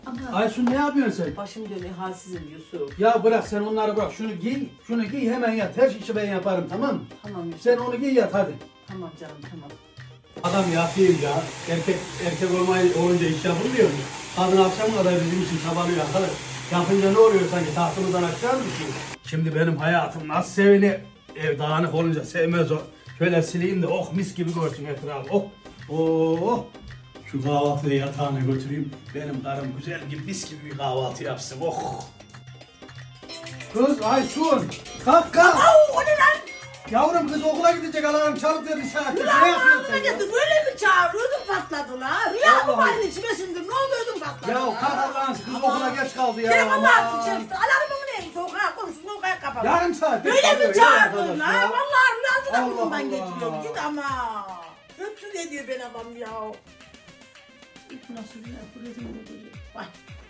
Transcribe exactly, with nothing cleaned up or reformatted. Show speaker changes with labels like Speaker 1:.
Speaker 1: Ama
Speaker 2: Aysun ne yapıyorsun sen?
Speaker 1: başım dönüyor, halsizim Yusuf.
Speaker 2: Ya bırak sen onları bırak. Şunu giy, şunu giy hemen yat. Her işi ben yaparım tamam mı?
Speaker 1: Tamam Yusuf.
Speaker 2: Sen onu giy yat hadi.
Speaker 1: Tamam canım, tamam.
Speaker 2: Adam yatayım ya. Erkek erkek olmayı olunca iş yapılmıyor mu? Kadın akşam kadar bizim için çabalıyor arkadaş. Yapınca ne oluyor sanki tahtımızdan aşağı mı düşüyor? Şimdi benim hayatım nasıl sevini ev dağınık olunca sevmez o. Şöyle sileyim de oh mis gibi görsün etrafı. Oh. Oh. Şu kahvaltıyı yatağına götüreyim. Benim karım güzel gibi mis gibi bir kahvaltı yapsın. Oh. Kız Aysun. Kalk kalk.
Speaker 1: Au, o ne lan?
Speaker 2: Yavrum kız okula gidecek alarm çalıp da bir saattir.
Speaker 1: Ulan
Speaker 2: Ne yapıyorsun sen
Speaker 1: ağzına
Speaker 2: ya?
Speaker 1: getir, böyle mi çağırıyordun patladı la? Rüya mı
Speaker 2: Allah
Speaker 1: var
Speaker 2: Allah.
Speaker 1: içime şimdi? Ne oluyordun patladı
Speaker 2: Ya
Speaker 1: la?
Speaker 2: kalk Allah'ın kız okula geç kaldı ya.
Speaker 1: Telefonu
Speaker 2: Aman.
Speaker 1: attı içerisinde. Alarmımı neymiş? Sokağa konuşsun, sokağa kapalı.
Speaker 2: Yarım saat.
Speaker 1: Böyle
Speaker 2: kalıyor
Speaker 1: mi
Speaker 2: ya
Speaker 1: çağırdın
Speaker 2: arkadaş
Speaker 1: la?
Speaker 2: ya.
Speaker 1: Vallahi rüyasında
Speaker 2: Allah
Speaker 1: burnumdan
Speaker 2: Allah.
Speaker 1: getiriyor. Git ama. Öpsün ediyor ben adam ya. İlk nasıl rüya? Buraya değil mi? Vay.